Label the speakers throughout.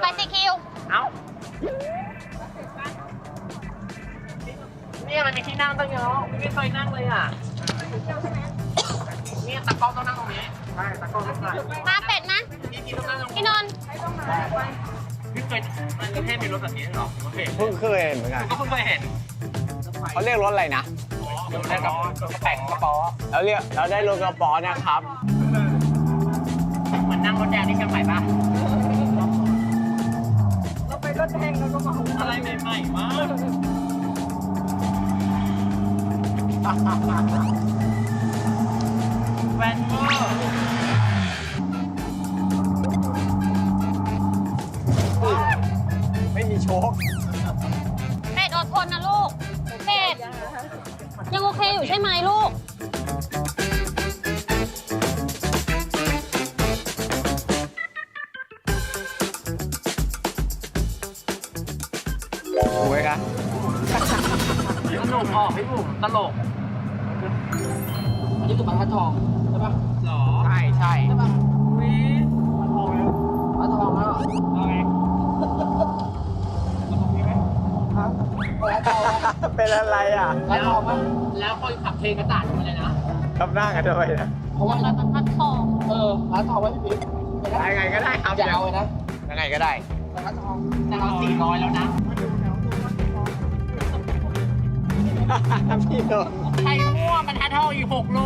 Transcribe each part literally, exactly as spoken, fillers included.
Speaker 1: สิคิว
Speaker 2: เอ้าเนี่ยมันมีที่นั่งตั้งเยอะไม่เคยนั่งเลยอ่ะนี่ตะกล้องต้องนั่งตรงนี้ใช่ตะกล้องต้องนั่ง
Speaker 1: มาเป็ดนะ
Speaker 2: พี่กินต้องนั่งตรง
Speaker 1: พี่
Speaker 2: นี้
Speaker 1: นนท์
Speaker 2: พี่เคยมันประเทศมีรถแบบนี้หรอโอเค
Speaker 3: เพิ่งเคยเห็นเหมือนกัน
Speaker 2: ก็เพิ่งเคยเห็น
Speaker 3: เขาเรียกรถอะไรนะ
Speaker 2: เดี๋ยวได้กับกระแป๋งกระป๋อ
Speaker 3: แล้วเรียกเราได้รถกระป๋อนะครับ
Speaker 2: เหมือนนั่งรถแดงที่เชียงใหม่ปะเราไปรถแดงเราก็มาอะไรใหม่ๆมากแวนเวอร์
Speaker 3: ไม่มีโชค
Speaker 1: เป็ดอดทนนะลูกเป็ดยังโอเคอยู่ใช่ไหมลูก
Speaker 3: ถูกไหมครับ
Speaker 2: ตลกออกพี่บุ๋มตลกอันนี้คือบรรทัดทองใช่ปะหรอ
Speaker 3: ใช่ใช่
Speaker 2: ใช่ปะวิบรรทัดทองแล้วบรรทัดทองแล้วเอาไงตรงนี้ไหมครับบรรทัดทอง
Speaker 3: เป็นอะไรอ่ะ
Speaker 2: บรรทัดทองมั้ยแล้วคนขับเพลงกระต่ายมาเลยนะ
Speaker 3: ทำหน้ากันทำไมนะ
Speaker 2: เพราะว่า
Speaker 1: เราจะพัดทอง
Speaker 2: เออบรรทัดทองไว้พี่ปิ๊ก
Speaker 3: ยังไงก็ได้ครับ
Speaker 2: อย่าเอาเลยนะ
Speaker 3: ยังไงก็ได้
Speaker 2: บรรทัดทองแต่เราสี่ร้อยแล้วนะ
Speaker 3: พี่โดน
Speaker 2: ใครมั่วบรรทัดทองอีกหกโล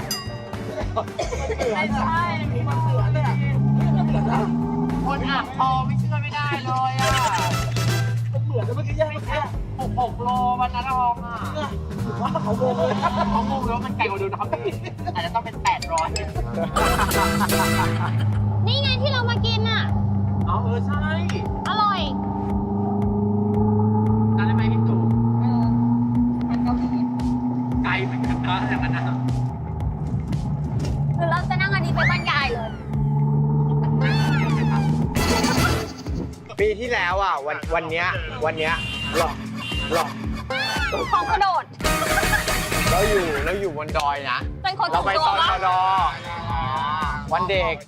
Speaker 2: ไม่ใช่มีมันเหลือเลยอ่ะคนอ่างทองไม่เชื่อไม่ได้เลยอ่ะมันเหมือนเมื่อกี้ยังแค่หกหกโลบรรทัดทองอ่ะว่าเขาโมงเลยเขาโมงแล้วมันไกลกว่าเดิมนะครับพี่อาจจะต้องเป็นแปดร้อย
Speaker 1: นี่ไงที่เรามากินอ่ะ
Speaker 2: อ๋อเออใช่
Speaker 1: อร่อย
Speaker 2: ทานได้ไหมพี่ตู่เออมันก็ไกลเหมือนกันนะอย่างนั้นนะ
Speaker 1: หรือเราจะนั่งอันนี้ไปบ้านยายเลย
Speaker 3: ปีที่แล้วอ่ะวันวันเนี้ยวันเนี้ยหลอกหลอก
Speaker 1: ของกระโดด
Speaker 3: เราอยู่เราอยู่บนดอยนะ
Speaker 1: เป็นคน
Speaker 3: เรา
Speaker 1: ส่ง
Speaker 3: ไป
Speaker 1: ตัว
Speaker 3: ตอน
Speaker 1: วะ
Speaker 3: ชดวันเด็ก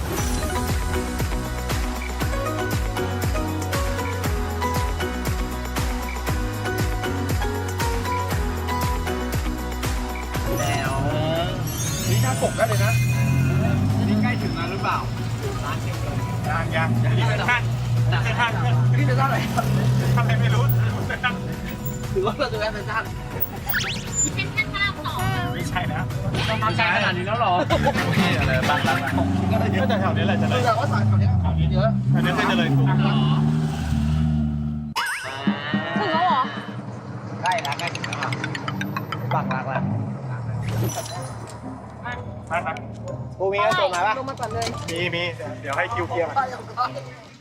Speaker 2: แล้วนี่น่าปกได้เลยนะนี่ใกล้ถึงแล้วหรือเปล่าร้านเชียงเลยร้านยังนี่เป็นท่านเป็นท่านนี่เป็นท่านอะไรทำไมไม่รู้ถือว่าเราจะแวะเป็นท่าน
Speaker 1: เป็นแค่ข้าวสอง
Speaker 2: ไม่ใช่นะต้องมาไกลขนาดนี้แล้วหรอนี่อะไรบ้างร้านก็เยอะแต่แถวนี้แหละจะเลยแต่ว่าสายแถวนี้แถวนี้เยอะแถวนี้จะเลยถูก
Speaker 1: ถึงแล้วเหรอ
Speaker 3: ใกล้แล้วใกล้ถึงแล้วอ่ะบังรักแล้ว
Speaker 2: มาครับ
Speaker 3: กูมีกระสุนมาปะ
Speaker 1: ลงมาก่อนเลย
Speaker 2: มีมีเดี๋ยวให้คิวเคลียร์